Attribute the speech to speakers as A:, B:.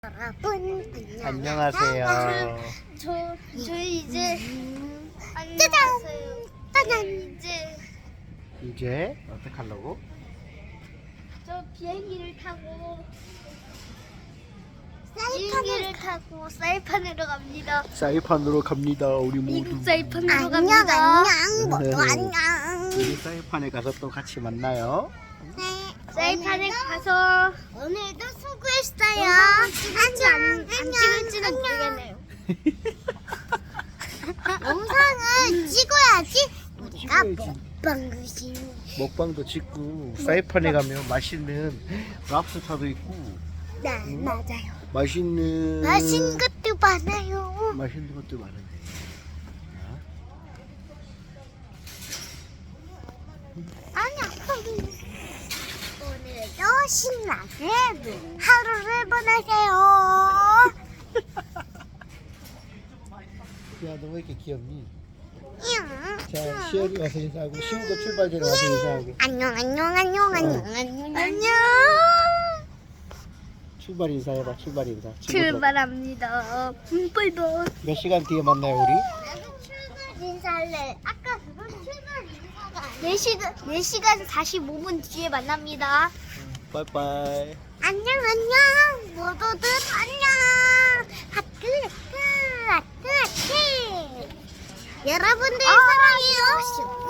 A: 여러분
B: 안녕하세요.
C: 저희 이제
A: 짜잔!
C: 안녕하세요.
B: 이제 어떻게 하려고?
C: 저 비행기를 타고 사이판으로 갑니다.
B: 사이판으로 갑니다. 우리 모두.
C: 미국 사이판으로
A: 안녕
C: 갑니다.
A: 안녕 모두 안녕.
B: 우리 사이판에 가서 또 같이 만나요.
A: 네,
C: 사이판에 가서
A: 오늘도 수고했어요.
C: 안 찍을지는 모르겠네요.
A: 영상을 찍어야지 우리가
B: 찍어야지.
A: 먹방을
B: 먹방도 찍고 사이판에 가면 맛있는 랍스타도 있고
A: 네 맞아요.
B: 맛있는
A: 것도 많아요.
B: 맛있는 것도 많은데.
A: 아니야. 오늘도 신나게 하루를 보내세요.
B: 야, 너 왜 이렇게 귀엽니?
A: 응.
B: 자, 시열이 와서 인사하고 시우도 출발 전에 와서 인사하고.
A: 안녕 안녕 안녕 안녕 안녕 안녕.
B: 출발 인사해봐. 출발 인사. 친구들.
C: 출발합니다. 바이바이.
B: 몇 시간 뒤에 만나요 우리?
A: 나도 출발 인사할래. 아까 그건 출발 인사가 아니야.
C: 4시간 45분 뒤에 만납니다.
B: 빠이빠이.
A: 안녕 안녕 모두들 안녕. 하트 하트 하트 하트. 여러분들 사랑해요.